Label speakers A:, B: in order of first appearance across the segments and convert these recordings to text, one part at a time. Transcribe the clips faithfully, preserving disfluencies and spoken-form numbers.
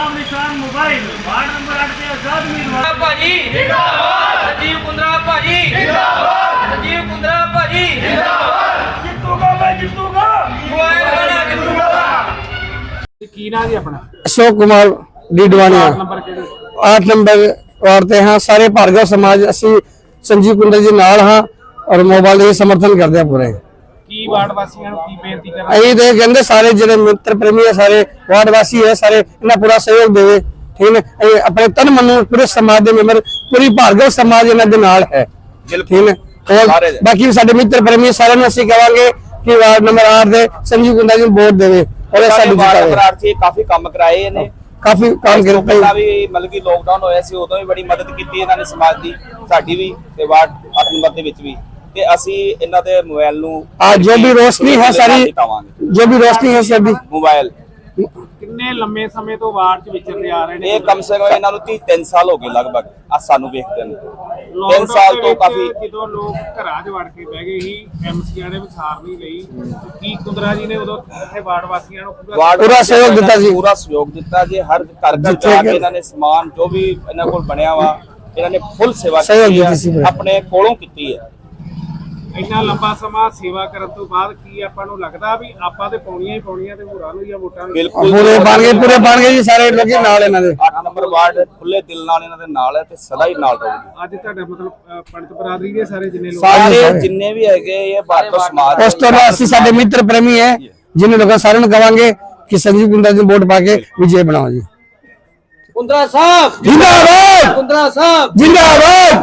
A: नाम निशान mobile ward number आठ से आजाद उम्मीदवार
B: भाजी जिंदाबाद संजीव कुंद्रा भाजी जिंदाबाद संजीव कुंद्रा भाजी जिंदाबाद
A: जितूगा मैं जितूगा
B: मोबाइल वाला जितूगा
C: की ना जी अपना
D: अशोक कुमार डीडवानिया
C: नंबर के
D: आठ नंबर वार्ते हाँ सारे भार्गव समाज असी संजीव कुंडल जी नाल हाँ और मोबाइल ही समर्थन करते हैं पूरे
C: की वार्ड वासियों की बेनती कर
D: अं तो कहते सारे जो मित्र प्रेमी है सारे वार्ड वासी है सारे इन्हें पूरा सहयोग देवे ठीक है अं अपने तन मन पूरे समाज के मेंबर पूरी भार्गव समाज इन्हों के नाल है ठीक है और बाकी सारे मित्र प्रेमी सारे असं कहेंगे कि वार्ड नंबर आठ के संजीव कुंडल जी वोट देवे और
E: काफी काम कराए ने
D: काफी काम कर
E: ਪਹਿਲਾਂ ਵੀ ਮਤਲਬ ਕਿ ਲੋਕਡਾਊਨ ਹੋਇਆ ਸੀ ਉਦੋਂ ਵੀ ਬੜੀ ਮਦਦ ਕੀਤੀ ਇਹਨਾਂ ਨੇ ਸਮਾਜ ਦੀ ਸਾਡੀ ਵੀ ਤੇ ਵਾਰਡ ਅੱਠ ਨੰਬਰ ਦੇ ਵਿੱਚ ਵੀ ਤੇ ਅਸੀਂ ਇਹਨਾਂ ਦੇ ਮੋਬਾਈਲ ਨੂੰ
D: आज जो भी रोशनी है सारी जो भी रोशनी है सभी
E: ਮੋਬਾਈਲ
C: किन्ने लंबे समय तो वार्ड च विचरते आ रहे ने
E: ਇਹ ਕਮ ਸੇ ਕਮ ਇਹਨਾਂ ਨੂੰ तीन ਸਾਲ ਹੋ ਗਏ ਲਗਭਗ ਆ ਸਾਨੂੰ ਵੇਖਦੇ ਨੇ तीन ਸਾਲ ਤੋਂ ਕਾਫੀ
C: ਜਦੋਂ ਲੋਕ ਘਰਾਂ 'ਚ ਵੜ ਕੇ ਬਹਿ ਗਏ ਸੀ ਐਮਸੀਆਂ ਨੇ ਵਿਸਾਰ ਨਹੀਂ ਲਈ ਕੀ ਕੁੰਦਰਾ ਜੀ ਨੇ ਉਦੋਂ ਇੱਥੇ ਵਾਰਡ ਵਾਸੀਆਂ ਨੂੰ
E: ਵਾਰਡ
D: ਪੂਰਾ ਸਹਿਯੋਗ ਦਿੱਤਾ ਜੀ
E: ਪੂਰਾ ਸਹਿਯੋਗ ਦਿੱਤਾ ਜੀ ਹਰ ਘਰ ਘਰ ਜਾ ਕੇ ਇਹਨਾਂ ਨੇ ਸਮਾਨ ਜੋ ਵੀ ਇਹਨਾਂ ਕੋਲ ਬਣਿਆ ਵਾ ਇਹਨਾਂ ਨੇ ਫੁੱਲ ਸੇਵਾ ਕੀਤੀ ਹੈ ਆਪਣੇ ਕੋਲੋਂ ਕੀਤੀ ਹੈ
C: ਇੰਨਾ ਲੰਬਾ ਸਮਾਂ ਸੇਵਾ ਕਰਨ ਤੋਂ ਬਾਅਦ ਕੀ ਆਪਾਂ ਨੂੰ ਲੱਗਦਾ ਵੀ ਆਪਾਂ ਤੇ ਪਾਉਣੀਆਂ ਹੀ ਪਾਉਣੀਆਂ ਤੇ ਹੋਰਾਂ ਨੂੰ ਜਾਂ ਵੋਟਾਂ ਨੂੰ
E: ਬਿਲਕੁਲ
D: पूरे बन गए पूरे बन गए जी सारे लोग नाल इन्हां दे
E: ਅੱਠ ਨੰਬਰ ਵਾਰਡ ਖੁੱਲੇ ਦਿਲ ਨਾਲ ਇਹਨਾਂ ਦੇ ਨਾਲ ਹੈ ਤੇ ਸਦਾ ਹੀ ਨਾਲ ਰਹੂਗੀ
C: ਅੱਜ ਤੁਹਾਡਾ ਮਤਲਬ ਅ, ਪੰਡਤ ਬਰਾਦਰੀ ਦੇ ਸਾਰੇ ਜਿੰਨੇ ਲੋਕ
E: ਸਾਰੇ ਜਿੰਨੇ ਵੀ ਹੈਗੇ ਇਹ ਭਾਰਤ ਸਮਾਜ
D: उस तो बाद असि साडे मित्र प्रेमी है जिन्हें लोग सारे नु कहांगे कि संजीव कुंडल जी वोट पाके विजय बनाओ जी
B: कुंद्रा साहब
D: जिंदाबाद
B: कुंद्रा साहब
D: जिंदाबाद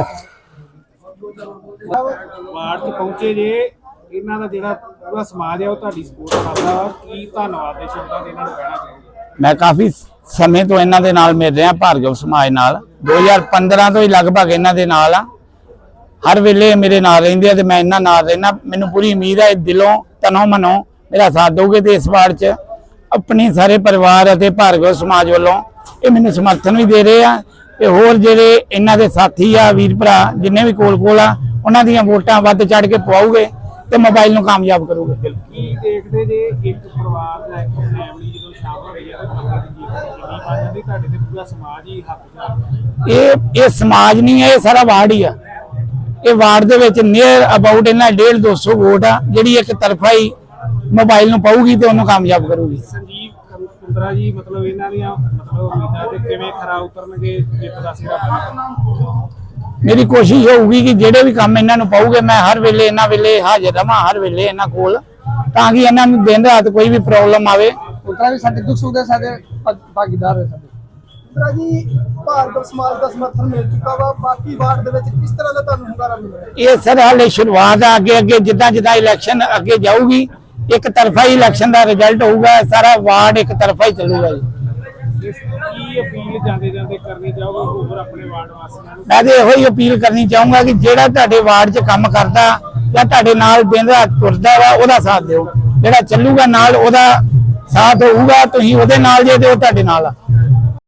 C: ਵਾਰਡ 'ਚ ਪਹੁੰਚੇ ਜੇ ਇਹਨਾਂ ਦਾ ਜਿਹੜਾ ਪੂਰਾ ਸਮਾਜ ਹੈ ਉਹ ਤੁਹਾਡੀ ਸਪੋਰਟ ਕਰਦਾ ਵਾ ਕੀ ਧੰਨਵਾਦ ਦੇ ਸ਼ਬਦਾਂ ਦੇ ਇਹਨਾਂ ਨੂੰ ਕਹਿਣਾ ਚਾਹੁੰਦੇ
F: ਮੈਂ ਕਾਫੀ ਸਮੇਂ ਤੋਂ ਇਹਨਾਂ ਦੇ ਨਾਲ ਮਿਲ ਰਿਹਾ ਭਾਰਗਵ ਸਮਾਜ ਨਾਲ ਦੋ ਹਜ਼ਾਰ ਪੰਦਰਾਂ ਤੋਂ ਹੀ ਲਗਭਗ ਇਹਨਾਂ ਦੇ ਨਾਲ ਆ ਹਰ ਵੇਲੇ ਮੇਰੇ ਨਾਲ ਰਹਿੰਦੇ ਆ ਤੇ ਮੈਂ ਇਹਨਾਂ ਨਾਲ ਰਹਿਣਾ ਮੈਨੂੰ ਪੂਰੀ ਉਮੀਦ ਹੈ ਦਿਲੋਂ ਤਨੋਂ ਮਨੋਂ ਮੇਰਾ ਸਾਥ ਦੋਗੇ ਤੇ ਇਸ ਵਾਰ 'ਚ ਆਪਣੇ ਸਾਰੇ ਪਰਿਵਾਰ ਅਤੇ ਭਾਰਗਵ ਸਮਾਜ ਵੱਲੋਂ ਇਹ ਮੈਨੂੰ ਸਮਰਥਨ ਵੀ ਦੇ ਰਹੇ ਆ ਤੇ ਹੋਰ ਜਿਹੜੇ ਇਹਨਾਂ ਦੇ ਸਾਥੀ ਆ ਵੀਰ ਭਰਾ ਜਿੰਨੇ ਵੀ ਕੋਲ ਕੋਲ ਆ ਉਹਨਾਂ ਦੀਆਂ ਵੋਟਾਂ ਵੱਧ ਚੜ ਕੇ ਪਵਾਉਗੇ ਤੇ ਮੋਬਾਈਲ ਨੂੰ ਕਾਮਯਾਬ ਕਰੋਗੇ
C: ਕੀ ਦੇਖਦੇ ਜੇ ਇੱਕ ਪਰਿਵਾਰ ਦਾ ਇੱਕ ਫੈਮਿਲੀ ਜਦੋਂ ਸ਼ਾਮਲ ਹੋਈ ਹੈ ਤਾਂ ਬੰਦੇ ਦੀ ਜੀਵਨ ਕਿੰਨੀ ਬਣ ਜਾਂਦੀ ਤੁਹਾਡੇ ਤੇ ਪੂਰਾ ਸਮਾਜ ਹੀ ਹੱਥ ਚ
F: ਇਹ ਇਹ ਸਮਾਜ ਨਹੀਂ ਹੈ ਇਹ ਸਾਰਾ ਵਾਰਡ ਹੀ ਆ ਇਹ ਵਾਰਡ ਦੇ ਵਿੱਚ ਨੀਅਰ ਅਬਾਊਟ ਇਹਨਾਂ ਡੇਢ ਦੋ ਸੌ ਵੋਟ ਆ ਜਿਹੜੀ ਇੱਕ ਤਰਫਾ ਹੀ ਮੋਬਾਈਲ ਨੂੰ ਪਾਊਗੀ ਤੇ ਉਹਨੂੰ ਕਾਮਯਾਬ ਕਰੂਗੀ
C: ਸੰਜੀਵ ਕੁੰਦਰਾ ਜੀ ਮਤਲਬ ਇਹਨਾਂ ਦੀਆਂ ਮਤਲਬ ਉਮੀਦਾਂ ਤੇ ਕਿਵੇਂ ਖਰਾ ਉਤਰਨਗੇ ਜਿੱਤ ਦਾ ਸਿਰਾ ਪਾਉਣਗੇ
F: ਮੇਰੀ ਕੋਸ਼ਿਸ਼ ਹੋਊਗੀ ਕਿ ਜਿਹੜੇ ਵੀ ਕੰਮ ਇਹਨਾਂ ਨੂੰ ਪਾਉਗੇ ਮੈਂ ਹਰ ਵੇਲੇ ਇਹਨਾਂ ਵੇਲੇ ਹਾਜ਼ਰ ਰਵਾਂ ਹਰ ਵੇਲੇ ਇਹਨਾਂ ਕੋਲ ਤਾਂ ਕਿ ਇਹਨਾਂ ਨੂੰ ਦਿਨ ਰਾਤ ਕੋਈ ਵੀ ਪ੍ਰੋਬਲਮ ਆਵੇ
D: उतना भी साडे दुख सुख दे साडे भागीदार है साडे
G: ਕੁੰਦਰਾ ਜੀ ਭਾਰਗਵ ਸਮਾਜ ਦਾ ਸਮਰਥਨ ਮਿਲ ਚੁੱਕਾ ਵਾ ਬਾਕੀ ਵਾਰਡ ਦੇ ਵਿੱਚ ਕਿਸ ਤਰ੍ਹਾਂ ਦਾ ਤੁਹਾਨੂੰ ਹੁੰਗਾਰਾ ਮਿਲ ਰਿਹਾ
F: ਇਹ ਸਰ ਹਾਲੇ ਸ਼ੁਰੂਆਤ ਆ ਅੱਗੇ ਅੱਗੇ ਜਿੱਦਾਂ ਜਿੱਦਾਂ ਇਲੈਕਸ਼ਨ ਅੱਗੇ ਜਾਊਗੀ ਇੱਕ ਤਰਫਾ ਹੀ ਇਲੈਕਸ਼ਨ ਦਾ ਰਿਜ਼ਲਟ ਹੋਊਗਾ ਸਾਰਾ ਵਾਰਡ ਇੱਕ ਤਰਫਾ ਹੀ ਚੱਲੂਗਾ ਜੀ
C: ਕੀ ਅਪੀਲ ਜਾਂਦੇ ਜਾਂਦੇ ਕਰਨੀ ਚਾਹੋਗੇ ਹੋਰ ਆਪਣੇ ਵਾਰਡ ਵਾਸੀਆਂ ਨੂੰ
F: ਮੈਂ ਤੇ ਇਹੋ ਹੀ ਅਪੀਲ ਕਰਨੀ ਚਾਹੂੰਗਾ ਕਿ ਜਿਹੜਾ ਤੁਹਾਡੇ ਵਾਰਡ 'ਚ ਕੰਮ ਕਰਦਾ ਜਾਂ ਤੁਹਾਡੇ ਨਾਲ ਦਿਨ ਰਾਤ ਤੁਰਦਾ ਵਾ ਉਹਦਾ ਸਾਥ ਦਿਓ ਜਿਹੜਾ ਚੱਲੂਗਾ ਨਾਲ ਉਹਦਾ ਸਾਥ ਹੋਊਗਾ ਤੁਸੀਂ ਉਹਦੇ ਨਾਲ ਜੇ ਤੇ ਉਹ ਤੁਹਾਡੇ ਨਾਲ ਆ